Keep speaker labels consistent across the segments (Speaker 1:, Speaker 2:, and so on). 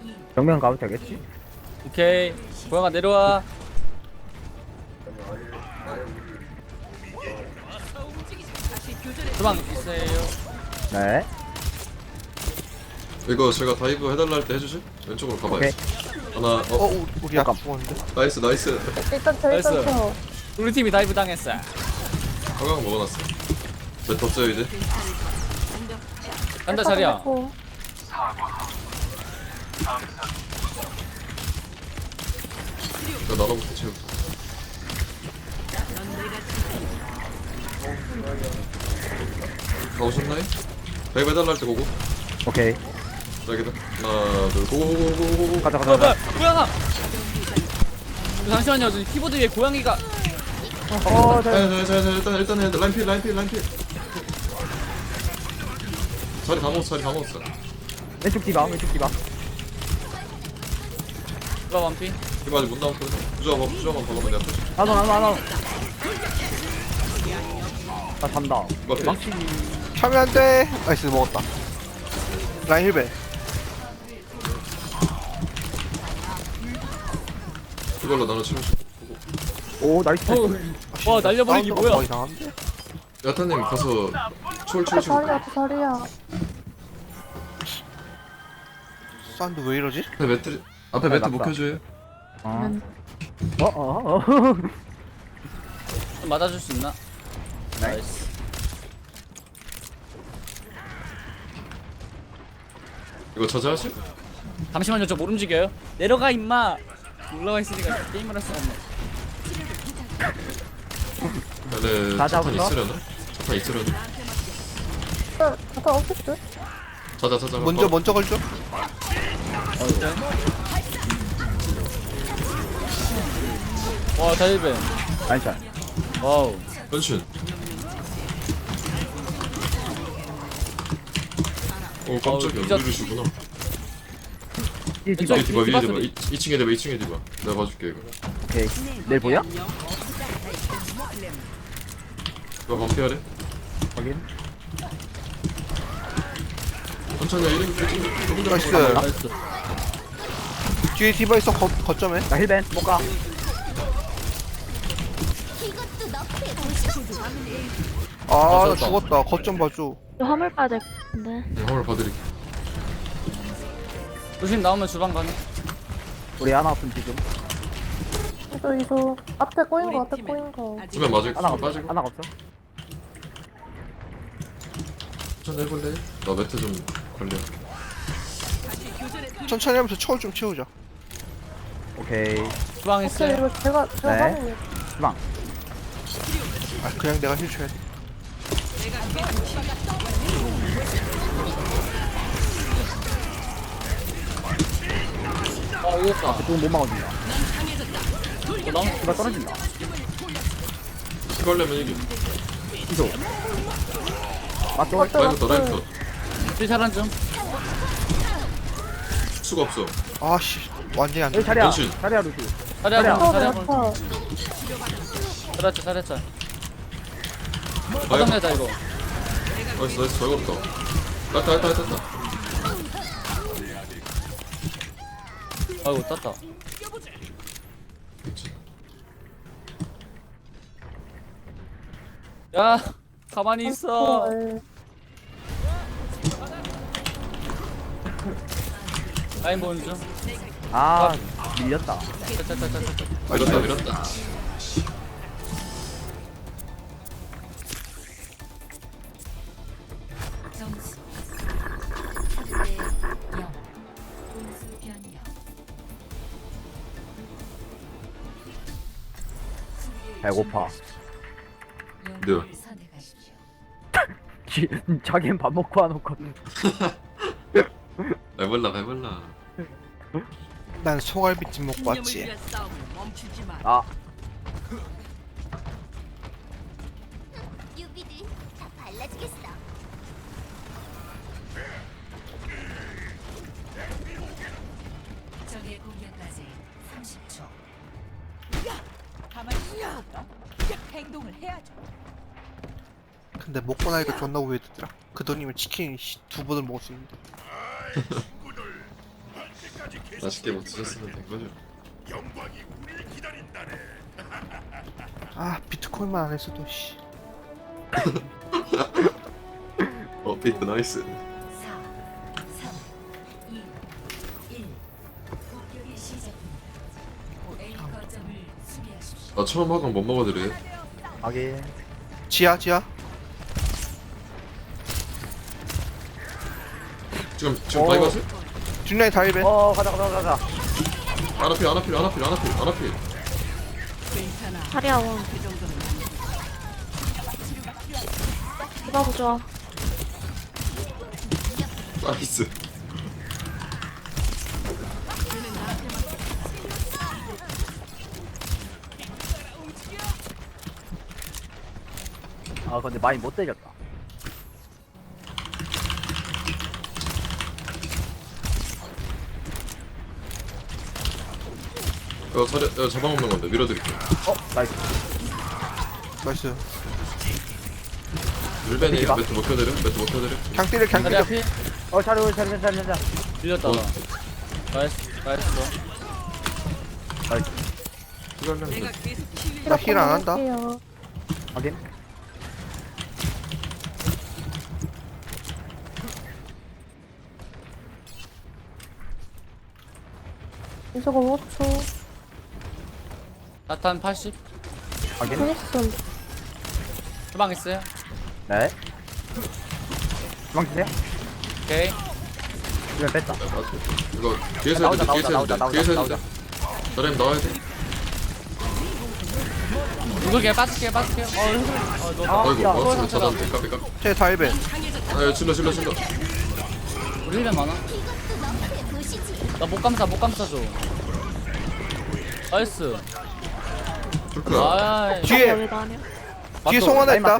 Speaker 1: 정면 가도 되겠지?
Speaker 2: 오케이. 고양아 내려와. 주방 있어요.
Speaker 1: 네.
Speaker 3: 이거 제가 다이브 해달라 할 때 해주실? 왼쪽으로 가봐요.
Speaker 1: 오케이.
Speaker 3: 하나,
Speaker 4: 우리 아까 죽었는데.
Speaker 3: 나이스, 나이스.
Speaker 5: 일단 저
Speaker 2: 나이스.
Speaker 5: 일단 저
Speaker 2: 우리 팀이 다이브 당했어.
Speaker 3: 화강 먹어놨어. 몇 덥죠 이제?
Speaker 2: 간다 자리야.
Speaker 3: 이거 나눠부터 채우자. 가오셨나요? 다이브 해달라 할 때 고고.
Speaker 1: 오케이.
Speaker 3: 여기다. 하나, 둘, 고고고고고고.
Speaker 1: 가자, 가자,
Speaker 2: 뭐야
Speaker 1: 가자.
Speaker 2: 고양아. 잠시만요. 저 키보드 위에 고양이가.
Speaker 3: 자, 일단 해. 라인필. 자리 다 먹었어.
Speaker 1: 왼쪽 디바, 왼쪽 디바.
Speaker 2: 누가 완피?
Speaker 3: 이거 아직 못 나왔거든. 부조화만 박으면 내가 또.
Speaker 1: 나도. 나 잔다.
Speaker 3: 이거 앞에.
Speaker 1: 망치.
Speaker 4: 차면 안 돼. 나이스, 먹었다. 라인 힐베.
Speaker 3: 이걸로 나눠 치면
Speaker 1: 오, 나이스.
Speaker 2: 와 날려버리기
Speaker 4: 사운드가
Speaker 2: 뭐야?
Speaker 4: 거의 나한데?
Speaker 3: 야타님 가서 초월 치고
Speaker 5: 자리야 저 자리야.
Speaker 4: 사운드 왜 이러지?
Speaker 3: 앞에 매트 못
Speaker 1: 맞다.
Speaker 3: 켜줘요?
Speaker 2: 좀 맞아줄 수 있나?
Speaker 1: 네.
Speaker 2: 나이스.
Speaker 3: 이거 저지하실?
Speaker 2: 잠시만요. 저 못 움직여요. 내려가 임마. 올라가 있으니까 게임을 할 수가 없네.
Speaker 3: 얘네
Speaker 1: 다
Speaker 3: 차탄
Speaker 1: 잡았어?
Speaker 3: 있으려나? 차탄 있으려나?
Speaker 5: 잠깐 없겠어?
Speaker 3: 자자
Speaker 4: 먼저 걸죠?
Speaker 2: 와 다이브.
Speaker 1: 나이스.
Speaker 2: 와우.
Speaker 3: 변신 오 깜짝이야
Speaker 2: 진짜-
Speaker 3: 우리를 주구나
Speaker 1: 이 디바.
Speaker 2: 왼쪽.
Speaker 3: 위에 디바
Speaker 2: 소리.
Speaker 3: 2층에 디바 2층에 디바 내가 봐줄게 이거
Speaker 1: 오케이. 내일 보여?
Speaker 3: 이거 반피하래
Speaker 1: 확인.
Speaker 3: 천천히 이름
Speaker 4: 나이스.
Speaker 2: 나이스.
Speaker 4: 뒤에 디바 있어, 거점에.
Speaker 1: 나 힐벤 못 가.
Speaker 4: 아, 나
Speaker 2: 맞았다.
Speaker 4: 죽었다. 거점 봐줘.
Speaker 5: 화물 빠야 될 것 같은데.
Speaker 3: 화물 봐드릴게
Speaker 2: 조심 나오면 주방 가네.
Speaker 1: 우리 하나 없음 지금.
Speaker 5: 이소 앞에 꼬인 거 앞에 꼬인 거.
Speaker 3: 수면 맞을
Speaker 1: 하나 없어.
Speaker 3: 빠지고
Speaker 1: 하나 없어.
Speaker 3: 천천히 해볼래? 나 매트 좀 관리할게
Speaker 4: 천천히 하면서 초월 좀 채우자.
Speaker 1: 오케이.
Speaker 2: 주방
Speaker 5: 오케이
Speaker 2: 있어요.
Speaker 5: 이거 제가
Speaker 1: 네.
Speaker 5: 하는
Speaker 1: 주방.
Speaker 4: 아, 그냥 내가 힐 쳐야 돼.
Speaker 2: 아 이겼다.
Speaker 1: 조금 못 막아준다.
Speaker 2: 나무
Speaker 1: 디바 떨어진다.
Speaker 3: 이거 하려면 이겨
Speaker 1: 이소. 맞죠?
Speaker 5: 맞죠?
Speaker 3: 라인부터
Speaker 2: 딜차란 좀.
Speaker 3: 수가 없어
Speaker 4: 아씨, 완전히 안 돼.
Speaker 1: 여기 자리야.
Speaker 3: 변신.
Speaker 1: 자리야 루시.
Speaker 2: 자리야
Speaker 1: 자리야.
Speaker 2: 본.
Speaker 5: 어,
Speaker 2: 자리야
Speaker 5: 내
Speaker 2: 본.
Speaker 5: 아파.
Speaker 2: 잘했자. 화장내자 이거.
Speaker 3: 나이스 잘 걸었다 했다
Speaker 2: 아이고 땄다. 야 가만히 있어.
Speaker 5: 네.
Speaker 2: 라인 보는 중.
Speaker 1: 아, 밀렸다.
Speaker 2: 짜짜짜짜짜.
Speaker 3: 밀었다
Speaker 6: 점수 3대 0 공수 변경
Speaker 1: 배고파.
Speaker 6: 영웅을 선택하십시오.
Speaker 1: 자기는 밥 먹고 안 왔거든.
Speaker 3: 배불러
Speaker 4: 난 소갈비찜 먹고 왔지.
Speaker 1: 아,
Speaker 7: 유비들 다 발라주겠어.
Speaker 6: 적의 공격까지 30초.
Speaker 4: 근데 먹고 나니까 존나 우회되더라. 그 돈이면 치킨 2번을 먹을 수 있는데.
Speaker 3: 맛있게 뭐 드셨으면 된 거죠.
Speaker 4: 아 비트코인만 안 했어도 씨.
Speaker 3: 비트 나이스.
Speaker 6: 4, 3, 2, 1. 공격이 시작됩니다. A 거점을 수비하십시오.
Speaker 3: 나 처음 학원 못 먹어드려요.
Speaker 1: 하긴.
Speaker 4: 지하
Speaker 3: 지금
Speaker 1: 오.
Speaker 3: 많이 가세요?
Speaker 4: 뒷라인 다 1배.
Speaker 1: 가자.
Speaker 3: 아나필.
Speaker 5: 자리야 원. 디바 부좋아.
Speaker 3: 나이스.
Speaker 1: 아 근데 많이 못 때렸다.
Speaker 3: 이거 잡아먹는 건데 밀어드릴게요.
Speaker 1: 나이스.
Speaker 4: 나이스.
Speaker 3: 물벤이
Speaker 1: 이봐.
Speaker 3: 매트 못 켜드려?
Speaker 4: 그냥 때려 그냥
Speaker 2: 자리
Speaker 4: 때려.
Speaker 2: 앞이
Speaker 1: 자리.
Speaker 2: 밀렸다.
Speaker 3: 어.
Speaker 2: 나이스.
Speaker 3: 시간량
Speaker 4: 나 힐 안 한다.
Speaker 5: 할게요.
Speaker 1: 하긴.
Speaker 5: 이소가 5초.
Speaker 2: 나탄 80.
Speaker 1: 하긴.
Speaker 5: 크리스톤.
Speaker 2: 주방 있어요.
Speaker 1: 네. 도망치세요.
Speaker 2: 오케이.
Speaker 1: 이면 뺐다.
Speaker 3: 이거 뒤에서 해야 돼.
Speaker 1: 나오자.
Speaker 3: 저렴 나와야 돼.
Speaker 2: 누굴게 빠질게요. 너
Speaker 3: 아이고
Speaker 1: 야,
Speaker 3: 마우스를 찾았는데 까비.
Speaker 4: 쟤다 1배.
Speaker 3: 아 질러.
Speaker 2: 우리 힐맨 많아. 나 못 감싸줘. 나이스.
Speaker 3: 불크야.
Speaker 2: 아,
Speaker 4: 뒤에
Speaker 5: 여기가 아니야.
Speaker 4: 뒤에 송 하나 있다.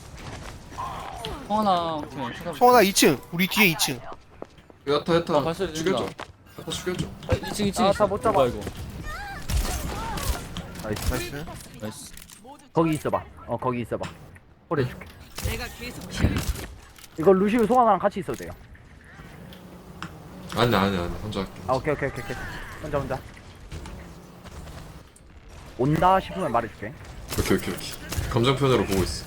Speaker 2: 성하나. 오케이. 찾아볼게.
Speaker 4: 송 하나 2층. 우리 뒤에 2층.
Speaker 3: 야타
Speaker 2: 발소리
Speaker 3: 죽여줘.
Speaker 2: 들린다.
Speaker 3: 야타 죽여줘.
Speaker 2: 2층.
Speaker 1: 아, 다못 잡아.
Speaker 2: 뭐야 이거?
Speaker 1: 나이스.
Speaker 4: 나이스.
Speaker 2: 나이스.
Speaker 1: 거기 있어봐. 거기 있어봐. 홀 해줄게. 이거 루시우 송하나랑 같이 있어도 돼요.
Speaker 3: 아니 혼자 할게.
Speaker 1: 아 오케이. 혼자. 온다 싶으면 말해줄게.
Speaker 3: 오케이. 감정표현으로 보고 있어.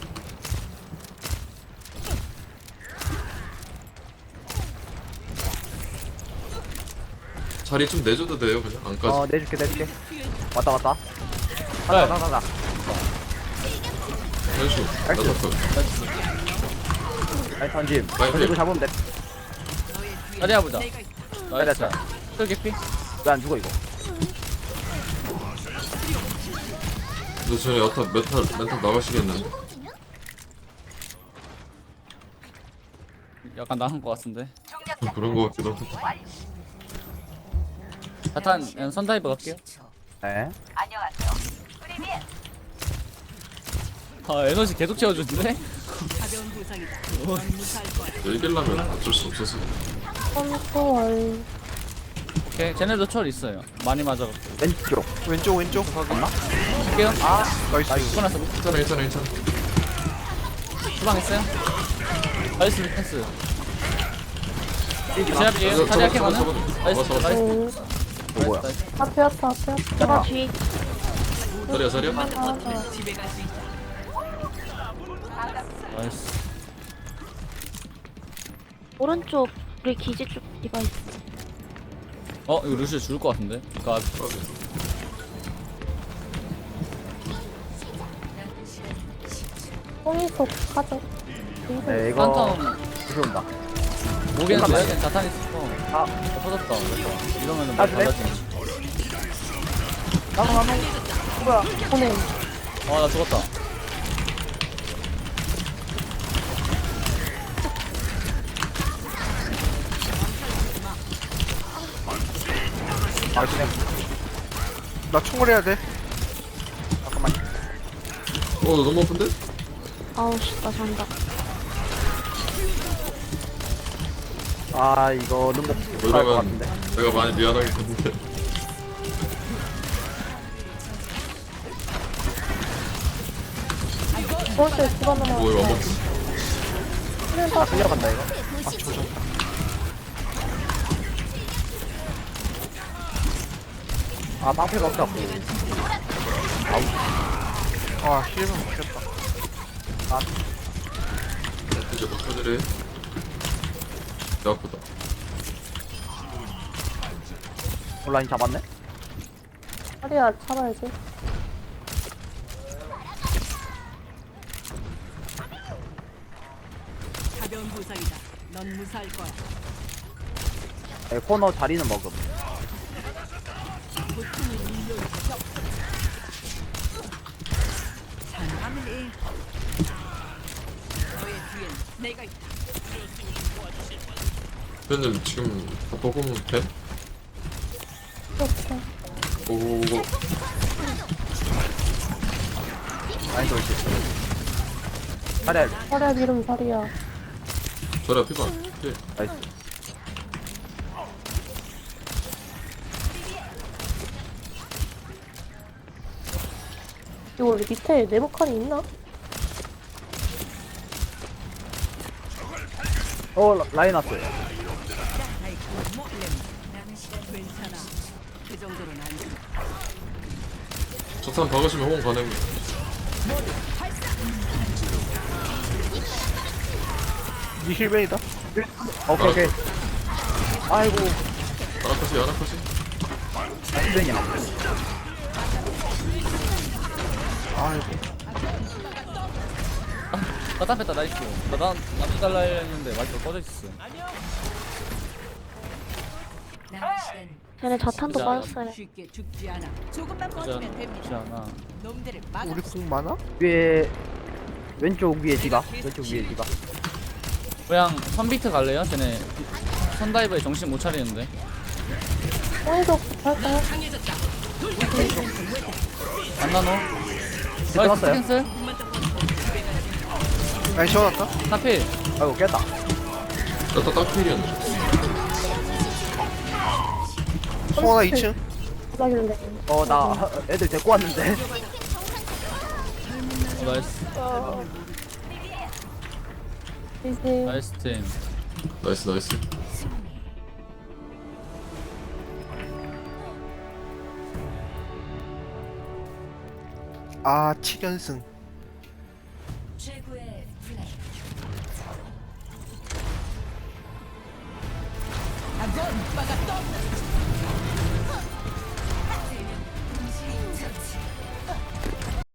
Speaker 3: 자리 좀 내줘도 돼요 그냥 안까지.
Speaker 1: 내줄게. 왔다.
Speaker 2: 네.
Speaker 1: 가자.
Speaker 3: 현수
Speaker 1: 나이스.
Speaker 3: 나타커.
Speaker 1: 나이스 던짐.
Speaker 3: 나이스.
Speaker 1: 던지고 잡으면 돼.
Speaker 2: 자리야 보자. 나이스.
Speaker 1: 됐다.
Speaker 2: 쫄개피.
Speaker 1: 왜 안 죽어 이거?
Speaker 3: 너 전에 야타 멘탈 나가시겠는데?
Speaker 2: 약간 나은 것 같은데.
Speaker 3: 그런 거 같기도 하고.
Speaker 2: 자탄 선다이브 갈게요.
Speaker 1: 네.
Speaker 2: 아 에너지 계속 채워주는데?
Speaker 3: 이기려면 어쩔 수 없어서.
Speaker 5: 컨트롤.
Speaker 2: 오케이 쟤네도 철 있어요. 많이 맞아갖고.
Speaker 1: 왼쪽.
Speaker 2: 할게요.
Speaker 4: 나이스.
Speaker 2: 끝났어.
Speaker 3: 괜찮아.
Speaker 2: 주방 있어요? 나이스 패스. 제
Speaker 3: 잡아,
Speaker 2: 앞이에요. 자리 앞에
Speaker 3: 잡아,
Speaker 2: 가는.
Speaker 3: 잡아.
Speaker 2: 나이스.
Speaker 3: 잡아.
Speaker 2: 나이스.
Speaker 1: 뭐야?
Speaker 5: 앞에. 디바 뒤.
Speaker 3: 자리야.
Speaker 2: 나이스.
Speaker 5: 오른쪽 우리 기지 쪽 디바 있어.
Speaker 2: 이거 루시오 죽을 것 같은데. 그니까
Speaker 5: 뽕이속 가져.
Speaker 1: 네 이거
Speaker 2: 한텀
Speaker 1: 루시우 온다.
Speaker 2: 모기는 줘야겠 자탄 있어.
Speaker 1: 아.
Speaker 2: 터졌다. 그래서 이러면은 뭐
Speaker 1: 그래?
Speaker 2: 달라지지.
Speaker 1: 나무. 뭐야?
Speaker 5: 보내.
Speaker 2: 나 죽었다.
Speaker 1: 그냥.
Speaker 4: 나 총을 해야 돼.
Speaker 1: 잠깐만.
Speaker 3: 너 너무 아픈데?
Speaker 5: 아우 씨, 나 잔다.
Speaker 1: 아 이거 룸도 못할 것
Speaker 3: 이러면
Speaker 1: 같은데.
Speaker 3: 내가 많이 미안하겠는데.
Speaker 5: 오른쪽 디바 넘어.
Speaker 3: 이거 안 먹지?
Speaker 1: 끌려간다 이거. 아 방패가 없다고.
Speaker 4: 아 힐은 못했다.
Speaker 3: 이제 버텨드래. 배 아프다.
Speaker 1: 온라인 잡았네.
Speaker 5: 자리야 잡아야지.
Speaker 8: 가벼운 부상이다. 넌 무사할 거야.
Speaker 1: 코너 자리는 먹음.
Speaker 8: 잘하면 해. 너의 뒤엔 내가 있다.
Speaker 3: 현님 지금 바꿔보면 돼?
Speaker 5: 이렇게.
Speaker 3: 오오오.
Speaker 1: 라인 돌지. 자리야.
Speaker 5: 자리야 이름 자리야.
Speaker 3: 저라 피반. 예.
Speaker 1: 나이스.
Speaker 5: 이거 우리 밑에 네모칸이 있나?
Speaker 1: 라인 왔어요.
Speaker 8: 괜찮아. 그 정도는 아니야.
Speaker 3: 적산 박으시면 호응 가능.
Speaker 4: 니 힐벤이다.
Speaker 1: 오케이. 아이고.
Speaker 3: 아나카시 아나카시.
Speaker 1: 힘드냐.
Speaker 4: 아이고.
Speaker 2: 나다 뺐다 나이스. 나도 달라 했는데 마이크가 꺼져 있었어.
Speaker 6: 남은 시간
Speaker 5: 쟤네 자탄도
Speaker 2: 진짜.
Speaker 5: 빠졌어요.
Speaker 8: 쉽게 죽지 않아. 조금만
Speaker 2: 그지
Speaker 8: 버티면 됩니다.
Speaker 2: 않아.
Speaker 8: 놈들을 막.
Speaker 4: 우리 궁 많아?
Speaker 1: 위에 왼쪽 위에 디바. 왼쪽 위에 디바.
Speaker 2: 그냥 선비트 갈래요? 쟤네 선다이버에 정신 못 차리는데.
Speaker 5: 오른쪽 할까요?
Speaker 2: 안 나노?
Speaker 1: 들어갔어요?
Speaker 2: 캔슬?
Speaker 4: 라인 시원하다.
Speaker 2: 하필.
Speaker 1: 아이고 깼다.
Speaker 3: 나다 딱필이었네.
Speaker 4: 송하나 2층.
Speaker 5: 나길래.
Speaker 1: 나 애들 데리고 왔는데.
Speaker 2: 나이스.
Speaker 5: 이제
Speaker 2: 나이스 팀.
Speaker 3: 나이스 나이스.
Speaker 4: 아 7연승.
Speaker 6: 최고의 플레이.